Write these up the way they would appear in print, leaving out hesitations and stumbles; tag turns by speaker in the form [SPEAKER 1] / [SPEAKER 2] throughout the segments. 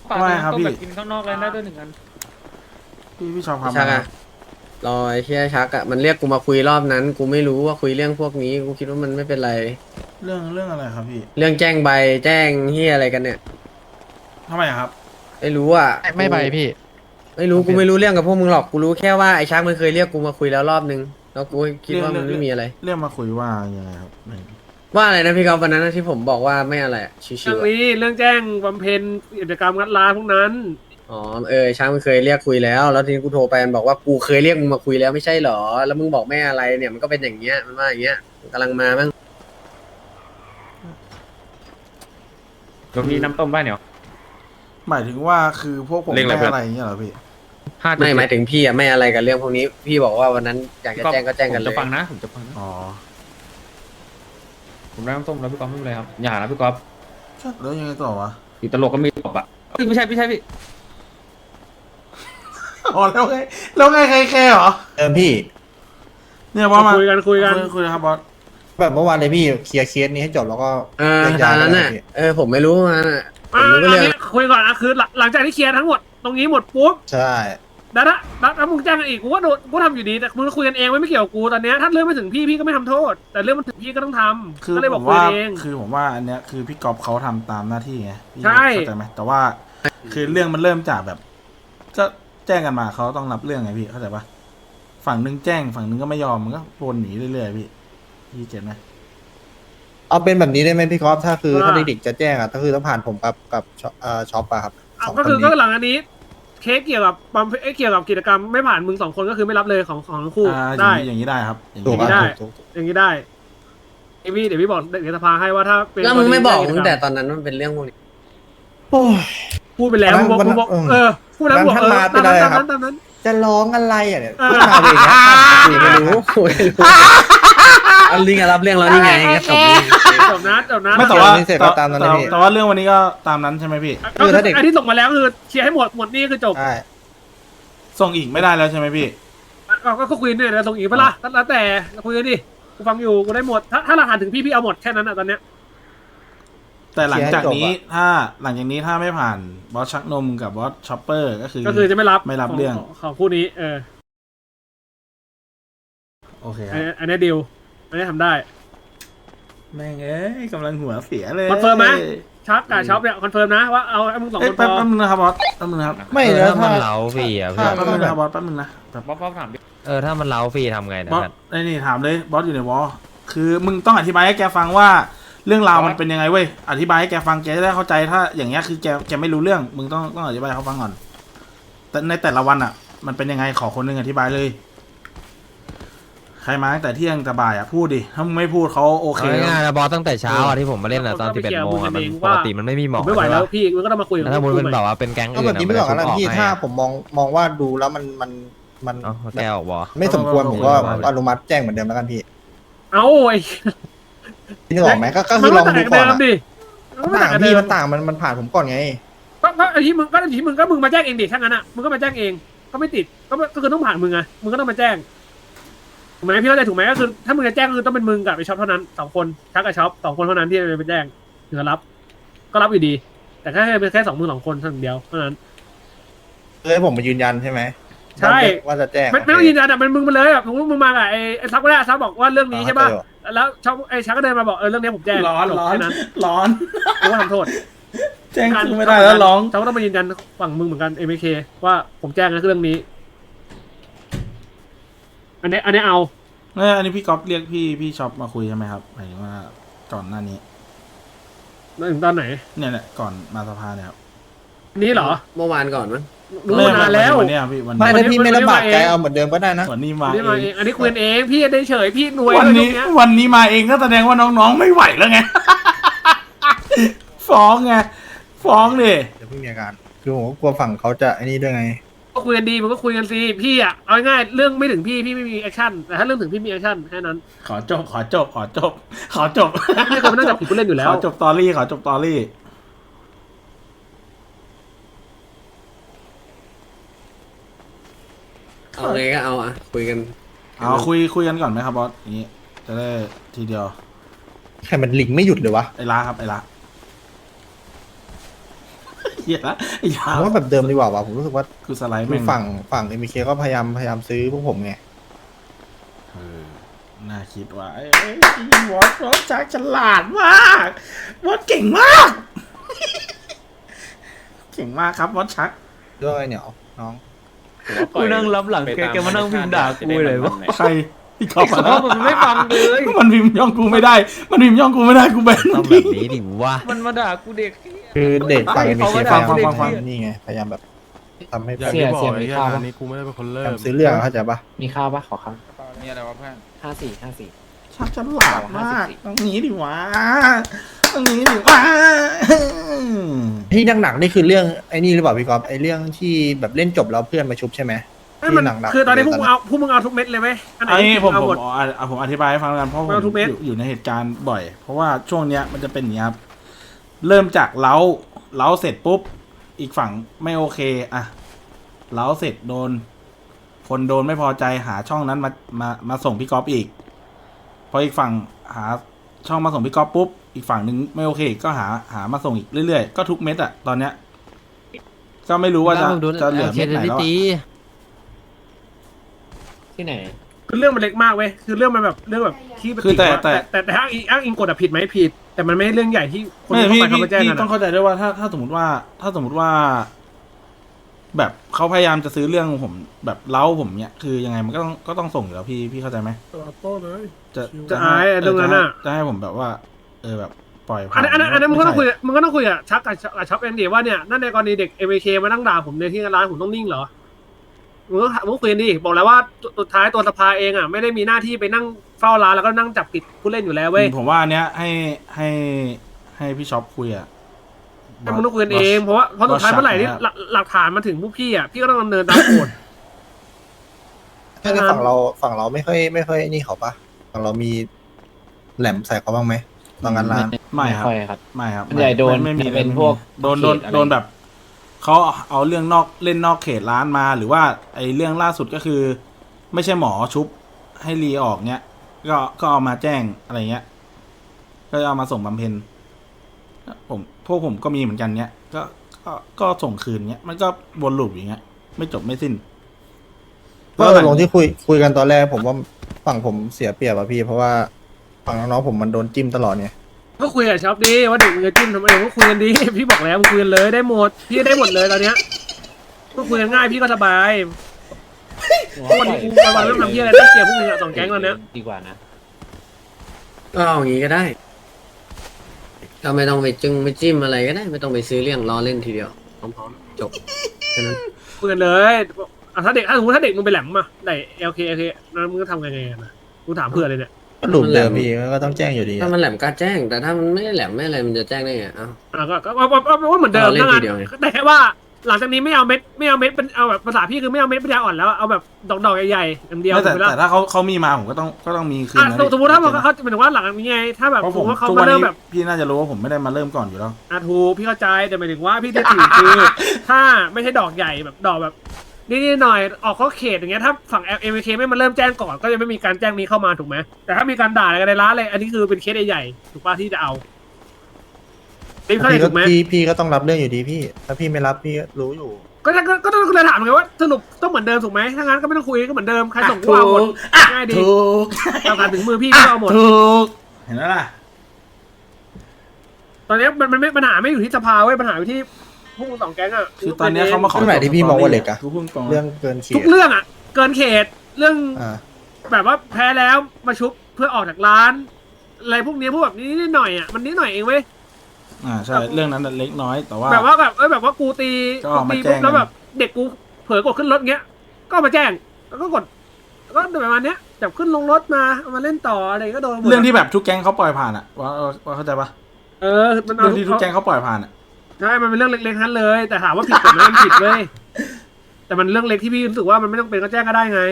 [SPEAKER 1] ปาก
[SPEAKER 2] ไม่
[SPEAKER 1] น้ำ
[SPEAKER 2] ครับ
[SPEAKER 1] ต้ม
[SPEAKER 2] พี่
[SPEAKER 1] แบบกินข้างนอกเลยได้ด้วย1 อัน
[SPEAKER 2] พี่ชอบความ
[SPEAKER 3] ชักอะรอไอ้เชี่ยชักอะมันเรียกกูมาคุยรอบนั้นกูไม่รู้ว่าคุยเรื่องพวกนี้กูคิดว่ามันไม่เป็นไร
[SPEAKER 2] เรื่องอะไรครับพี่
[SPEAKER 3] เรื่องแจ้งใบแจ้งเฮียอะไรกันเนี่ย
[SPEAKER 2] ทำไมอะครับ
[SPEAKER 3] ไม่รู้อ่ะ
[SPEAKER 4] ไม่ไปพี่
[SPEAKER 3] ไม่รู้กูไม่รู้เรื่องกับพวกมึงหรอกกูรู้แค่ว่าไอ้ชักมันเคยเรียกกูมาคุยแล้วรอบนึงแล้วกูคิดว่ามันไม่มีอะไร
[SPEAKER 2] เรื่องมาคุยว่ายังไงครับไม่
[SPEAKER 3] ว่าอะไรนะพี่กอล์ฟวันนั้นนะที่ผมบอกว่าไม่อะไรอะชิ
[SPEAKER 1] เรื่
[SPEAKER 3] ว
[SPEAKER 1] อง
[SPEAKER 3] ๆอะ
[SPEAKER 1] นี้เรื่องแจ้งบำเพ็ญกิจกรรมงัดร้านพวกนั้น
[SPEAKER 3] อ๋อช้างมันเคยเรียกคุยแล้วแล้วทีนี้กูโทรไปมันบอกว่ากูเคยเรียกมึงมาคุยแล้วไม่ใช่หรอแล้วมึงบอกไม่อะไรเนี่ยมันก็เป็นอย่างเงี้ยมันว่าอย่างเงี้ยมันกำลังมามั้ง
[SPEAKER 1] มีน้ำต้มบ้านเหนียว
[SPEAKER 2] หมายถึงว่าคือพวกผม
[SPEAKER 1] เรื่องอะไร
[SPEAKER 2] ไม่อะไรอย่างเงี้ยเหรอพี่
[SPEAKER 3] ไม่หมายถึงพี่อะไม่อะไรกับเรื่องพวกนี้พี่บอกว่าวันนั้นอยากจะแจ้งก็แจ้งกัน
[SPEAKER 1] ผม
[SPEAKER 3] เลย
[SPEAKER 1] จะฟังนะผมจะฟังนะ
[SPEAKER 2] อ๋อ
[SPEAKER 1] ผมได้น้ำต้มแล้วพี่ก๊อฟไม่เป็นไรครับอย่านะพี่ก๊อฟ
[SPEAKER 2] แล้วยังไงต่อวะ
[SPEAKER 1] ติดตลกก็มีตบอ่ะเอ้ยไม่ใช่พี่
[SPEAKER 2] อ๋อแล้วไงใครแค่เหรอ
[SPEAKER 5] พี่
[SPEAKER 2] เนี่ยบอสมา
[SPEAKER 1] คุยกัน
[SPEAKER 2] คุยนะครับบอส
[SPEAKER 5] แบบเมื่อวานเลยพี่เคลียร์เคสนี้ให้จบแล้วก็แยก
[SPEAKER 3] ต
[SPEAKER 5] ย้า
[SPEAKER 3] อย น
[SPEAKER 5] กั
[SPEAKER 3] นั้น
[SPEAKER 5] เล
[SPEAKER 3] น่ะ
[SPEAKER 5] ยพี่
[SPEAKER 3] ผมไม่รู้มันอะผม
[SPEAKER 1] อ่า
[SPEAKER 3] รู้ก็เรื่อง
[SPEAKER 1] คุยก่อนนะคือหลังจากที่เคลียร์ทั้งหมดตรงนี้หมดปุ๊บ
[SPEAKER 5] ใช่
[SPEAKER 1] แล้วมึงแจ้งกันอีกกูก็โดนกูทำอยู่ดีแต่มึงคุยกันเองไม่เกี่ยวกับกูตอนเนี้ยถ้าเรื่องไม่ถึงพี่ก็ไม่ทำโทษ แต่เรื่องมันถึงพี่ก็ต้องทำ
[SPEAKER 2] คือ
[SPEAKER 1] ก็เลย
[SPEAKER 2] ผ
[SPEAKER 1] บอก
[SPEAKER 2] ม
[SPEAKER 1] คุย
[SPEAKER 2] ว่า
[SPEAKER 1] เอง
[SPEAKER 2] คือผมว่าอันเนี้ยคือพี่กอบเขาทำตามหน้าที่ไงพี่
[SPEAKER 1] ใช่
[SPEAKER 2] เข้าใจไหมแต่ว่าคือเรื่องมันเริ่มจากแบบก็แจ้งกันมาเขาต้องรับเรื่องไงพี่เข้าใจปะฝั่งนึงแจ้งฝั่งนึงก็ไม่ยอมมันก็วนหนีเรื่อยๆพี่เก็ตไหม
[SPEAKER 5] เอาเป็นแบบนี้ได้ไหมพี่กอล์ฟถ้าคือถ้าเด็กๆจะแจ้งอ่ะก็คือต้องผ่านผมกับช็อปอะครับสองค
[SPEAKER 1] ก็
[SPEAKER 5] น
[SPEAKER 1] คือ
[SPEAKER 5] นี้
[SPEAKER 1] ก็หลังอันนี้เคสเกี่ยวกับเกี่ยวกับกิจกรรมไม่ผ่านมึง2 คนก็คือไม่รับเลยของทั้งคู่
[SPEAKER 2] อ
[SPEAKER 1] ได้
[SPEAKER 2] ย่างนี้ได้ครับอย่าง
[SPEAKER 5] ถูก
[SPEAKER 2] นี้
[SPEAKER 5] ป่ะ
[SPEAKER 2] ได้
[SPEAKER 1] ได้
[SPEAKER 5] ถูก
[SPEAKER 1] อย่างนี้ได้เดี๋ยวพี่บอกเด็กสภาให้ว่าถ้าเป็น
[SPEAKER 3] แล้วมึงไม่บอก
[SPEAKER 1] กรณี
[SPEAKER 3] ตั้งแต่ตอนนั้นมันเป็นเรื่องพวกนี้
[SPEAKER 5] โอ้ย
[SPEAKER 1] พูดไปแล้ว
[SPEAKER 5] วันนั้น
[SPEAKER 1] มึงบอก
[SPEAKER 5] วันนั้น
[SPEAKER 1] พูดแล้วบอก
[SPEAKER 5] วันนั้นท่านมาเป็นอะไรครับ
[SPEAKER 1] ตามนั้น
[SPEAKER 5] จะร้องอะไรอ่ะเนี่ย
[SPEAKER 1] เออ
[SPEAKER 5] พูดมาเลยนะ
[SPEAKER 3] กูไม่รู้กูไม่รู้เอาลิงรับเรื่องแล้วนี่ไงก็จบเลย
[SPEAKER 1] จบนะ
[SPEAKER 2] ไม่แต่ว่า
[SPEAKER 5] เสร็จก็ตามนั้นนะพี่
[SPEAKER 2] แต่ว่าเรื่องวันนี้ก็ตามนั้นใช่ไหมพี่
[SPEAKER 1] ก็คือไอ้ที่ส่งมาแล้วคือเคลียร์ให้หมดนี่คือจบ
[SPEAKER 5] ใช่
[SPEAKER 2] ส่งอีกไม่ได้แล้วใช่ไหมพี่
[SPEAKER 1] ก็คุยเนี่ยแล้วส่งอีกเปะล่าแล้วแต่คุยกันดิกูฟังอยู่กูได้หมดถ้าหลักฐานถึงพี่เอาหมดแค่นั้นอ่ะตอนเนี้ย
[SPEAKER 2] แต่หลังจากนี้หลังจากนี้ถ้าไม่ผ่านบอสชักนมกับบอสช็อปเปอร์ก็คือ
[SPEAKER 1] ก็คือจะไม่รับ
[SPEAKER 2] เรื่อง
[SPEAKER 1] ของคู่นี้
[SPEAKER 2] โอเคครับ
[SPEAKER 1] อันนี้ดีลอันนี้ทำได้
[SPEAKER 2] แม่งเอ้ยกำลังหัวเสียเลย
[SPEAKER 1] คอนเฟิร์มไหม ชักกับช็อปเนี่ยคอนเฟิร์มนะว่าเอาไอ้มึง2 คนพ
[SPEAKER 2] แป๊บ
[SPEAKER 1] อ
[SPEAKER 2] นึงนะครับบอสแป๊บนึงนะครับ
[SPEAKER 5] ไม่แล้วถ้า
[SPEAKER 6] มันเล้าฟรีอ่ะเพื่อน
[SPEAKER 2] แป๊บนึงนะครับบอสแป๊บนึงนะแบบ
[SPEAKER 1] บ๊อบถามดิ
[SPEAKER 6] ถ้ามันเล้าฟรีทำไงนะ
[SPEAKER 2] บอส
[SPEAKER 6] เพื่อน
[SPEAKER 2] ไอ้นี่ถามเลยบอสอยู่ในวอลคือมึงต้องอธิบายให้แกฟังว่าเรื่องราวมันเป็นยังไงเว้ยอธิบายให้แกฟังแกจะได้เข้าใจถ้าอย่างเงี้ยคือแกไม่รู้เรื่องมึงต้องอธิบายให้เขาฟังก่อน แต่ในแต่ละวันอ่ะ มันเป็นยังไงขอคนหนึงอธิบายเลย ใครมาตั้งแต่เที่ยงแต่บ่ายอ่ะพูดดิถ้ามึงไม่พูดเขาโอเค
[SPEAKER 6] เอาง่ายๆนะบอสตั้งแต่เช้าอ่ะที่ผมมาเล่นอ่ะตอน11 โมงอ่ะมันปกติมันไม่มีหมอก
[SPEAKER 1] ไม่ไหวแล้วพี่มึงก็ต้องมาคุยกับ
[SPEAKER 6] แล้วถ้ามุนเป็นแบบว่าเป็นแก๊ง
[SPEAKER 5] ก็
[SPEAKER 6] อื่
[SPEAKER 5] แบบ
[SPEAKER 6] น
[SPEAKER 5] นี้ไม่หรอกนะพี่ถ้าผมมองว่าดูแล้วมัน
[SPEAKER 6] เอ้าแกออกบอ
[SPEAKER 5] ไม่สมควรผมก็อนุมัติแจ้งเหมือนเดิมแล้วกันพี่
[SPEAKER 1] เอาไอ้
[SPEAKER 5] พี่นึกออกไหมก็คือลองดูก่อนอะ
[SPEAKER 1] ดิ
[SPEAKER 5] ต่างพี่มันต่างมันผ่านผมก่อนไง
[SPEAKER 1] ก็ไอ้ที่มึงมาแจ้งเองดิถ้างั้นอ่ะมึงก็มาแจ้งเองก็ไม่ติดก็คือต้องผ่านมึงไงมึงก็ต้องมาแจ้งถูกไหมพี่เข้าใจถูกไหมก็คือถ้ามึงจะแจ้งคือต้องเป็นมึงกับไอ้ช็อปเท่านั้น2 คนชักกับช็อป2 คนเท่านั้นที่จะไปแจ้งถึงจะรับก็รับอยู่ดี แต่แค่เป็นแค่2 มือ2 คนเท่านั้นเดียวเท่านั้น
[SPEAKER 5] เลยผมมายืนยันใช่ไหม
[SPEAKER 1] ใช่
[SPEAKER 5] ว่าจะแจ้ง
[SPEAKER 1] ไม่ต้องยืนยันอ่ะเป็นมึงมาเลยแบบมึงมากับไอ้ซักก็ได้ซักบอกว่าเรื่องนี้ใช่ป่ะแล้วช็อปไอ้ชักก็เดินมาบอกเรื่องนี้ผมแจ้ง
[SPEAKER 2] ร้อน
[SPEAKER 1] จบแค่นั้น
[SPEAKER 2] ร้อน
[SPEAKER 1] กูก็ทำโทษ
[SPEAKER 2] แจ้งกูไม่ได้แล้วร้อง
[SPEAKER 1] เขาก็ต้องมายืนยันฝั่งมึงเหมือนกัน MK ว่าผมแจ้งนะเรื่องนี้ อันนี้เอา
[SPEAKER 2] อันนี้พี่ก๊อฟเรียกพี่ช็อปมาคุยใช่ไหมครับหมายถึงว่าก่อนหน้านี้
[SPEAKER 1] ถึงตอนไหน
[SPEAKER 2] เนี่ยแหละก่อนมาสภาเนี่ยครับ
[SPEAKER 1] นี้เหรอ
[SPEAKER 3] เมื่อวานก่อนมั้ง
[SPEAKER 1] รู้มานานแล้ว
[SPEAKER 2] วันเนี้ยพี่วัน
[SPEAKER 5] ไม่
[SPEAKER 2] นี้
[SPEAKER 5] ถ้าพี่ไม่ลำบากใจเอาเหมือนเดิมก็ได้นะ
[SPEAKER 2] วันนี้มา
[SPEAKER 1] นี่มา
[SPEAKER 2] เอ
[SPEAKER 1] เอง งอันนี้คุยกันเองพี่ได้เฉยพี่รวย
[SPEAKER 2] วันนี้
[SPEAKER 1] ตรงเย
[SPEAKER 2] วันนี้มาเองก็แสดงว่าน้องๆไม่ไหวแล้วไง ฟ้องไงฟ้องดิ
[SPEAKER 5] เดี๋ยวเพิ่งมีอาการคือผมก็กลัวฝั่งเขาจะไอ้นี่ด้วยไง
[SPEAKER 1] ก็คุยกันดีมันก็คุยกันสิพี่อ่ะเอาง่ายๆเรื่องไม่ถึงพี่ไม่มีแอคชั่นแต่ถ้าเรื่องถึงพี่มีแอคชั่นแค่นั้น
[SPEAKER 2] ขอจบ
[SPEAKER 1] ไม่เคยมานั่งจับผิดผู้เล่นอยู่แล้ว
[SPEAKER 2] ขอจบตอรี่ขอจบตอรี่
[SPEAKER 3] เอาไงก็เอาอ่ะคุยกัน
[SPEAKER 2] เอาคุยกันก่อนไหมครับบอสอย่างนี้จะได้ทีเดียว
[SPEAKER 5] ใครมันลิงไม่หยุดเลยวะ
[SPEAKER 2] ไอ้ล้าครับไอ้ล้าหี้ยไอ้ยา
[SPEAKER 5] ผมว่าแบบเดิมดีกว่าวะผมรู้สึกว่า
[SPEAKER 2] กูสไลด์
[SPEAKER 5] คื
[SPEAKER 2] แม่
[SPEAKER 5] อง ฝั่งเอ็มเคก็พยายามซื้อพวกผมไง
[SPEAKER 2] เออน่าคิดว่าวอสชักฉลาดมากวอสเก่งมาก เก่งมากครับวอสชัก
[SPEAKER 5] ด้วยเนี่ยน้อง
[SPEAKER 6] กูนั่งรับหลังแกมานั่งพิมพ์ด่ากูเลยวะ
[SPEAKER 2] ใครพี่เขา
[SPEAKER 6] เพราะมันไม่ฟังเลย
[SPEAKER 2] มันพิมพ์ย่องกูไม่ได้ มันพิมพ์ย่องกูไม่ได้กูแบน
[SPEAKER 6] ต้องแบบนี้ดิวะมันมาด่ากูเด็ก
[SPEAKER 5] คือเด็กฝั่งเอ็มเค
[SPEAKER 6] เขา
[SPEAKER 5] พ
[SPEAKER 6] ก็
[SPEAKER 5] ยายาม
[SPEAKER 6] ด่าเด็ก
[SPEAKER 5] นี่ไงพยายามแบบทำให้
[SPEAKER 4] อย่างที่บอกไอ้เหี้ยงานนี้กูไม่ได้เป็นคน
[SPEAKER 5] พ
[SPEAKER 4] เริ่
[SPEAKER 5] ยายาม มซื้อเรื่องเข้าใจปะ
[SPEAKER 7] มีข้าวปะขอข้าว
[SPEAKER 4] มีอะไรวะเพื่อน
[SPEAKER 7] 54
[SPEAKER 2] ชักฉลาดมากต้องหนีดิวะต้องหนีดิวะ
[SPEAKER 5] ที่หนักๆนี่คือเรื่องไอ้นี่หรือเปล่าพี่ก๊อฟไอ้เรื่องที่แบบเล่นจบแล้วเพื่อนมาชุบใช่ไหม
[SPEAKER 1] ให้มัน
[SPEAKER 5] ที่หนักๆ
[SPEAKER 1] คือตอนนี้พวกมึงเอาทุกเม็ดเลยไหมอันไหน
[SPEAKER 2] ไอ้
[SPEAKER 1] ที่
[SPEAKER 2] ผม
[SPEAKER 1] เอาหมด
[SPEAKER 2] ผมอธิบายให้ฟังแล้วกันเพราะผม
[SPEAKER 1] เอาทุกเม็ด
[SPEAKER 2] อยู่ในเหตุการณ์บ่อย เพราะว่าช่วงเนี้ยมันจะเป็นอย่างนี้ครับเริ่มจากเล้าเสร็จปุ๊บอีกฝั่งไม่โอเคอะเล้าเสร็จโดน คนโดนไม่พอใจหาช่องนั้นมาส่งพี่ก๊อฟอีกพออีกฝั่งหาช่องมาส่งพี่ก๊อฟปุ๊บอีกฝั่งหนึ่งไม่โอเคก็หามาส่งอีกเรื่อยๆก็ทุกเม็ดอะตอนเนี้ยก็ไม่รู้ว่าจะเหลือเม็ดไหนแล้วอะ
[SPEAKER 7] ที่ไหน
[SPEAKER 1] คือเรื่องมันเล็กมากเว้ยคือเรื่องมันแบบเรื่องแบบที่
[SPEAKER 2] คือแต่
[SPEAKER 1] แต่อ้างอิงกฎอะผิดไหมผิด แต่มันไม่ใช่เรื่องใหญ่ที่คน
[SPEAKER 2] ไม่
[SPEAKER 1] เข้า
[SPEAKER 2] พี่
[SPEAKER 1] ไปเขามาแจ้ง
[SPEAKER 2] พี่
[SPEAKER 1] กัน
[SPEAKER 2] ต้อง
[SPEAKER 1] อะ
[SPEAKER 2] เข้าใจด้วยว่าถ้าสมมติว่า แบบเขาพยายามจะซื้อเรื่องผมแบบเล้าผมเนี้ยคือยังไงมันก็ต้องส่งอยู่แล้วพี่เข้าใจไหม
[SPEAKER 4] โต้เลย
[SPEAKER 1] จะอายอะเรื่องนั้นอะ
[SPEAKER 2] จะให้ผมแบบว่า แบบปล่อยผ่า
[SPEAKER 1] อันนั้นมึงก็ต้องคุย
[SPEAKER 2] ไใช่
[SPEAKER 1] มึงก็ต้องคุยกับชักกับช็อปเองดิว่าเนี่ยนั่นในกรณีเด็กเอเเคมานั่งด่าผมในที่ร้านผมต้องนิ่งเหรอมึงก็คุยกันดิบอกแล้วว่าสุดท้ายตัวสภาเองอ่ะไม่ได้มีหน้าที่ไปนั่งเฝ้าร้านแล้วก็นั่งจับผิดผู้เล่นอยู่แล้วเว้ย
[SPEAKER 2] ผมว่าอันเนี้ยให้พี่ช็อปคุยอะ
[SPEAKER 1] แต่มึงต้องคุยกันเองเพราะสุดท้ายเมื่อไหร่ที่หลักฐานมาถึงผู้พี่อ่ะพี่ก็ต้องดำเนินตามกฎ
[SPEAKER 5] ถ้าในฝั่งเราไม่ค่อยนี่เขาปะฝั่งเรามีแหลมใส่เขาบ้างไหมตอนงานร้าน
[SPEAKER 2] ไม่ครับ
[SPEAKER 7] ค่อยครับ
[SPEAKER 2] ไม่ครับ
[SPEAKER 7] ส่วนใหญ่โดน
[SPEAKER 2] ไม่มี
[SPEAKER 7] เป็นพวก
[SPEAKER 2] โดน
[SPEAKER 7] เขตอะไร
[SPEAKER 2] โดนแบบเขาเอาเรื่องเล่นนอกเขตร้านมา หรือว่าไอ้เรื่องล่าสุดก็คือ ไม่ใช่หมอชุบให้รีออกเนี้ยก็เอามาแจ้งอะไรเงี้ย ก็เอามาส่งบำเพ็ญพวกผมก็มีเหมือนกันเนี้ยก็ส่งคืนเนี้ยมันก็วนลูปอย่างเงี้ยไม่จบไม่สิ้น
[SPEAKER 5] ก็ลงที่คุยกันตอนแรกผมว่าฝั่งผมเสียเปรียบอะพี่ เพราะว่าฝั่งน้องๆผมมันโดนจิ้มตลอดไง
[SPEAKER 1] ก็คุยกับช็อปดิว่าเด็กมึงจะจิ้มทำไมก็คุยกันดิพี่บอกแล้วมึงคุยกันเลยได้หมดพี่ได้หมดเลยตอนเนี้ยก็คุยกันง่ายพี่ก็สบายวันนี้กูวันเริ่มทำที่อะไรต้องเคลียร์พวกมึงอะสองแก๊งตอนเนี้ย
[SPEAKER 7] ดีกว่านะ
[SPEAKER 3] ก็เอาอย่างงี้ก็ได้ก็ไม่ต้องไปจึงไปจิ้มอะไรก็ได้ ไม่ต้องไปซื้อเรื่องรอเล่นทีเดียวพร้อมๆจบแค่นั้น
[SPEAKER 1] คุยกันเลยถ้าเด็กสมมติถ้าเด็กมึงไปแหลมมาได้โอเคนั้นมึงก็ทำไงกันนะกูถามเพื่อนเลยเนี่ย
[SPEAKER 5] ก็หลุมเดิมพี่ก็ต้องแจ้งอยู่ดี
[SPEAKER 3] ถ้ามันแหลมก็แจ้ง แต่ถ้ามันไม่ได้แหลมไม่อะไรมันจะแจ้งได้ไงเอ้า
[SPEAKER 1] ก็ว่าเหมือนเดิม
[SPEAKER 3] เอาเล่น
[SPEAKER 1] นะ
[SPEAKER 3] ทีเดียวไง
[SPEAKER 1] แต่แค่ว่าหลังจากนี้ไม่เอาเม็ดเป็นเอาแบบภาษาพี่คือไม่เอาเม็ดปัญญาอ่อนแล้วเอาแบบดอกใหญ่ๆอย่างเดียว
[SPEAKER 2] ไม่แต่
[SPEAKER 1] ถูกไหมล่ะ
[SPEAKER 2] แต่ถ้าเขามีมาผมก็ต้องมีคืนนะ
[SPEAKER 1] สมมติถ้าเขาจะเป็นว่าหลังจากนี้ไงถ้าแบบ
[SPEAKER 2] เพราะ
[SPEAKER 1] ส
[SPEAKER 2] ผม ม
[SPEAKER 1] มติว่าเขา
[SPEAKER 2] ทุก
[SPEAKER 1] มา
[SPEAKER 2] วัน
[SPEAKER 1] เริ่ม
[SPEAKER 2] นี้
[SPEAKER 1] แบบ
[SPEAKER 2] พี่น่าจะรู้ว่าผมไม่ได้มาเริ่มก่อนอยู่แล้ว
[SPEAKER 1] ถูกพี่เข้าใจแต่หมายถึงว่าพี่จะถือคือ ถ้าไม่ใช่ดอกใหญ่แบบดอกแบบนี่หน่อยออกข้อเขตอย่างเงี้ยถ้าฝั่ง LMK ไม่มาเริ่มแจ้งก่อนก็จะไม่มีการแจ้งนี้เข้ามาถูกไหมแต่ถ้ามีการด่าอะไรกันในร้านเลยอันนี้คือเป็นเคสใหญ่ๆถูกป่ะที่จะเอาพี่เข้าใจถูกไหม
[SPEAKER 5] พี่ก็ต้องรับเรื่องอยู่ดีพี่ ถ้าพี่ไม่รับพี่ก็รู้อยู่
[SPEAKER 1] ก็ต้องเลยถามไงว่าสรุปต้องเหมือนเดิมถูกไหมถ้างั้นก็ไม่ต้องคุยก็เหมือนเดิมใครส่งก็เอาหมดง่ายดี
[SPEAKER 2] ถูก
[SPEAKER 1] เอาการถึงมือพี่ก็เอาหมด
[SPEAKER 2] ถูกเห็นแล้วล่ะ
[SPEAKER 1] ตอนนี้มันไม่ปัญหาไม่อยู่ที่สภาเว้ยปัญหาอยู่ที่พวกมึงสองแก๊งอะ
[SPEAKER 2] คือตอนเนี้ยเขามาขอ
[SPEAKER 5] เรื่องไหนที่พี่มองว่าเล็กอะ
[SPEAKER 2] กูพูดตรง
[SPEAKER 5] เรื่องเกินเขี
[SPEAKER 1] ทุ
[SPEAKER 5] ย
[SPEAKER 1] กเรื่องอะเกินเขตเรื่อง
[SPEAKER 5] อ่า
[SPEAKER 1] แบบว่าแพ้แล้วมาชุบเพื่อออกจากร้านอะไรพวกนี้พวกแบบนี้นิดหน่อยอ่ะมันนิดหน่อยเองเว้ย
[SPEAKER 2] ใช่เรื่องนั้นน่ะเล็กน้อยแต่ว่า
[SPEAKER 1] แบบว่าแบบว่ากูตี
[SPEAKER 2] ก็เอามา
[SPEAKER 1] ตี
[SPEAKER 2] แจ้
[SPEAKER 1] ปุ๊บ
[SPEAKER 2] ง
[SPEAKER 1] แล้วแบบเด็กกูเผลอกดขึ้นรถเงี้ย ก็เอามาแจ้งแล้วก็กดก็ประมาณเนี้ยจับขึ้นลงรถมาเอามาเล่นต่ออะไรก็โดนหมด
[SPEAKER 2] เรื่องที่แบบทุกแก๊งเขาปล่อยผ่านอ่ะว่าเข้าใจปะ
[SPEAKER 1] มัน
[SPEAKER 2] เรื่องที่ทุกแก๊งเขาปล่อยผ่านอ่ะ
[SPEAKER 1] ใช่มันเป็นเรื่องเล็กๆทั้งเลย แต่ถามว่าผิดกฎไหมมันผิดเว้ยแต่มันเรื่องเล็กที่พี่รู้สึกว่ามันไม่ต้องเป็นก็แจ้งก็ได้ไง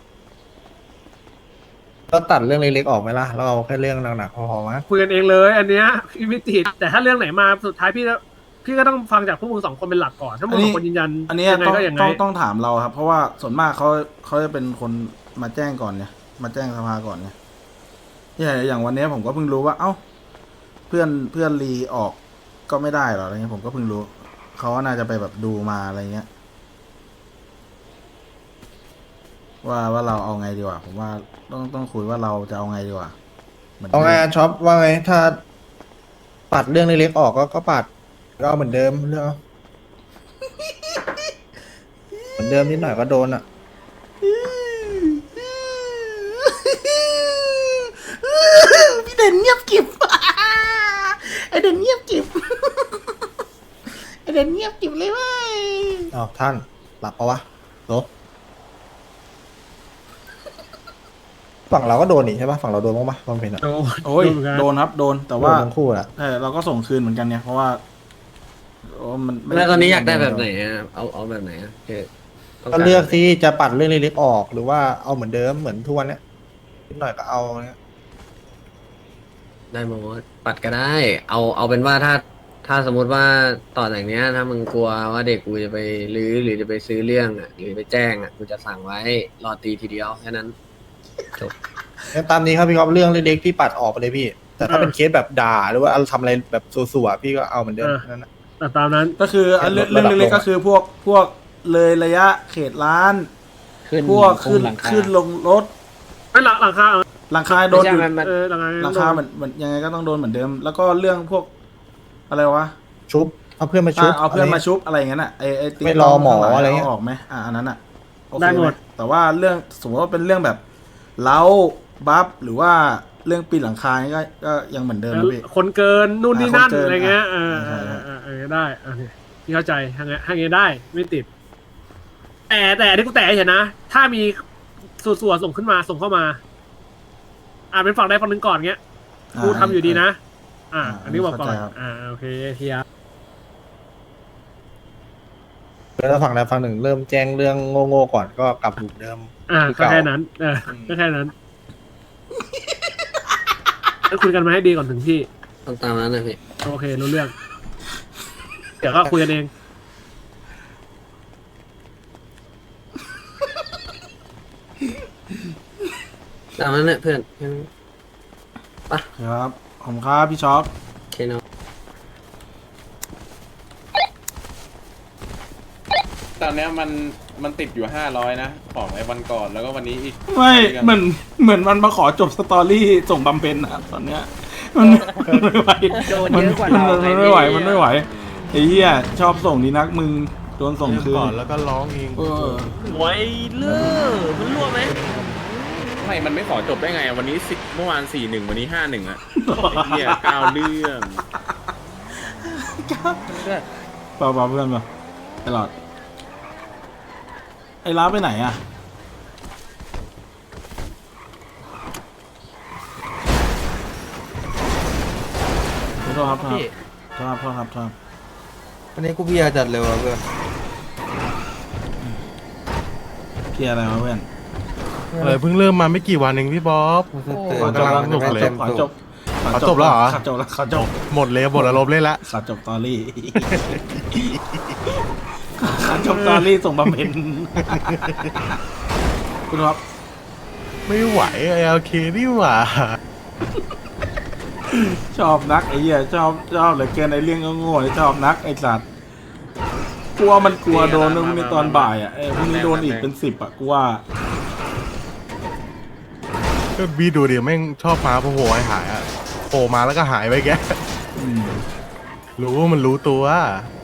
[SPEAKER 5] ก็ตัดเรื่องเล็กๆออกไหมล่ะแล้วเอาแค่เรื่องหนักๆพอๆมั้ง
[SPEAKER 1] คุยกันเองเลย อันเนี้ยพี่ไม่ติดแต่ถ้าเรื่องไหนมาสุดท้ายพี่ก็ต้องฟังจากพวกมึงสองคนเป็นหลักก่อนถ้ามึงสองคนยืนยัน
[SPEAKER 2] อันนี้
[SPEAKER 1] ยังไงก็อย่างไง
[SPEAKER 2] ต้องถามเราครับ เพราะว่าส่วนมากเขาจะเป็นคนมาแจ้งก่อนเนี่ยมาแจ้งสภาก่อนเนี่ยอย่างวันนี้ผมก็เพิ่งรู้ว่าเอ้าเพื่อนรีออกก็ไม่ได้หรออะไรเงี้ยผมก็เพิ่งรู้เขาก็น่าจะไปแบบดูมาอะไรเงี้ยว่าเราเอาไงดีกว่าผมว่าต้องคุยว่าเราจะเอาไงดีกว่าหมืน
[SPEAKER 5] เอาไงช็อปว่าไงถ้าปัดเรื่องเล็กๆออกก็ปัดก็เอาเหมือนเดิมเรื่องเอาเหมือนเดิมนิดหน่อยก็โดนอ่ะ
[SPEAKER 2] พี่เด่นเงียบกิบ ไอเด่นเงียบกิบ ไอเด่นเงียบกิบเลยเว้ย
[SPEAKER 5] อ้าวท่านหลับปะวะโหลฝั่งเราก็โดนนี่ใช่ปะฝั่งเราโดนบ้างปะบางเพนอะ
[SPEAKER 1] โดน
[SPEAKER 2] โอ้ย
[SPEAKER 1] เหมือนกัน
[SPEAKER 2] โดนครับโดนแต่ว่า
[SPEAKER 5] โดนทั้งคู่อะ
[SPEAKER 2] เราก็ส่งคืนเหมือนกันเนี่ยเพราะว่าโอ้มันไม่
[SPEAKER 3] แล้วตอนนี้อยากได้แบบไหนอะเอาแบบไหนอะคือต้อง
[SPEAKER 5] ก็เลือกที่จะปัดเรื่องเล็กๆออกหรือว่าเอาเหมือนเดิมเหมือนทุกวันเนี้ยนิดหน่อยก็เอาเนี้ย
[SPEAKER 3] ได้หมดปัดก็ได้ เอาเป็นว่าถ้าสมมติว่าต่อจากเนี้ย ถ้ามึงกลัวว่าเด็กกูจะไปรื้อหรือจะไปซื้อเรื่องอะหรือไปแจ้งอะกูจะสั่งไว้รอตีทีเดียวแค่นั้น
[SPEAKER 5] งั้นตามนี้ครับพี่ครับเรื่องเล็กๆพี่ปัดออกไปเลยพี่ แต่ถ้าเป็นเคสแบบด่าหรือว่าทำอะไรแบบสัวๆพี่ก็เอาเหมือนเดิมนั่นนะ
[SPEAKER 1] แต่ตามนั้น
[SPEAKER 2] ก็คือเรื่องเล็กๆก็คือพวกเลยระยะเขตร้าน พวกขึ้นลงรถ
[SPEAKER 1] ไม่หลังคา
[SPEAKER 2] หลังคาโดนอยู่
[SPEAKER 1] หลังคา
[SPEAKER 2] หลังคาเหมือนยังไงก็ต้องโดนเหมือนเดิม แล้วก็เรื่องพวกอะไรวะ
[SPEAKER 5] ชุบเอาเพื่อนมาชุบ
[SPEAKER 2] เอาเพื่อนมาชุบอะไรอย่างนั้นอ่ะไอติ๊ก
[SPEAKER 5] ไม่รอหมออะไรเงี้ย
[SPEAKER 2] าออกไหมอันนั้นอ่ะโอเค
[SPEAKER 1] ได้หมด
[SPEAKER 2] แต่ว่าเรื่องสมมติว่าเป็นเรื่องแบบเล้าบัฟหรือว่าเรื่องปีนหลังคานี่ก็ยังเหมือนเดิมนะพี่
[SPEAKER 1] คนเกินนู่นนี่นั่น
[SPEAKER 2] คนเกิน
[SPEAKER 1] อะไรเงี้ย
[SPEAKER 2] ใช่
[SPEAKER 1] ได้โอเคพี่เข้าใจทางเงี้ยได้ไม่ติด แต่ที่กูแต่เห็นนะ ถ้ามีส่วนส่งขึ้นมาส่งเข้ามาเป็นฝั่งใดฝั่งหนึ่งก่อนเงี้ยกูทำอยู่ดีนะ อันนี้บอกก่อนโอเคเทีย
[SPEAKER 5] แล้วฝั่งใดฝั่งหนึ่งเริ่มแจ้งเรื่องโง่ๆก่อนก็กลับหลุมเดิม
[SPEAKER 1] ก็แค่นั้นก็แค่นั้นแล้วคุยกันมาให้ดีก่อนถึงที่
[SPEAKER 3] ต้องตามนั้นนะพี่
[SPEAKER 1] โอเครู้เรื่อง เดี๋ยวก็คุยกันเอง
[SPEAKER 3] ตามนั้นแหละเพื่อน
[SPEAKER 2] ครับผมครับพี่ช็อป
[SPEAKER 3] โอเคเนาะ
[SPEAKER 4] ตอนเนี้ยมันติดอยู่500นะของไอ้วันก่อนแล้วก็วันนี้อีก
[SPEAKER 2] ไม่เหมือนมันมาขอจบสตอรี่ส่งบำเพ็ญนะตอนเนี้ยมันไม่ไหว
[SPEAKER 7] โดนเยอะกว่าเรา
[SPEAKER 2] มันไม่ไหวมันไม่ไหวไอ้เหี้ยชอบส่งดีนักมึงโดนส่งคืน
[SPEAKER 4] ก่อนแล้วก็ร้องเอง
[SPEAKER 7] ไว้เลิกมันรั่วไหม
[SPEAKER 4] ไม่มันไม่ขอจบได้ไงวันนี้10เมื่อวาน41วันนี้51อ่ะไอ้เหี้ย9เรื่อง
[SPEAKER 2] เปล่าเพื่อนเปล่าตลอดไอ้ล้าไปไหนอ่ะโทษครับโทษ
[SPEAKER 5] วันนี้กูเพียจัดเร็วแล้วเพื่อน
[SPEAKER 2] เพียอะไรวะเพื่อน
[SPEAKER 4] อะไรเพิ่งเริ่มมาไม่กี่วันเองพี่บ๊อบ
[SPEAKER 2] ขอจบ
[SPEAKER 4] กำลังสนุกเลย
[SPEAKER 2] ขอจบ
[SPEAKER 4] จบแล้วเหรอ
[SPEAKER 2] ขอจบ
[SPEAKER 4] หมดเลยหมดอารมณ์เลยละ
[SPEAKER 2] ขอจบตอรี่ ขอจบตอรี่ส่งบำเพ็ญคุณครับ
[SPEAKER 4] ไม่ไหวโอเคนี่หว่า
[SPEAKER 2] ชอบนักไอ้เหี้ยชอบเหลือเกินไอ้เรื่องโง่ๆชอบนักไอ้สัตว์กลัวมันกลัวโดนในตอนบ่ายอ่ะพรุ่งนี้โดนอีกเป็น10อ่ะกูว่า
[SPEAKER 4] ก็บีดูดิแม่งชอบมาโผล่หายอ่ะโผล่มาแล้วก็หายไปแก
[SPEAKER 2] อืม
[SPEAKER 4] รู้ว่ามันรู้ตัว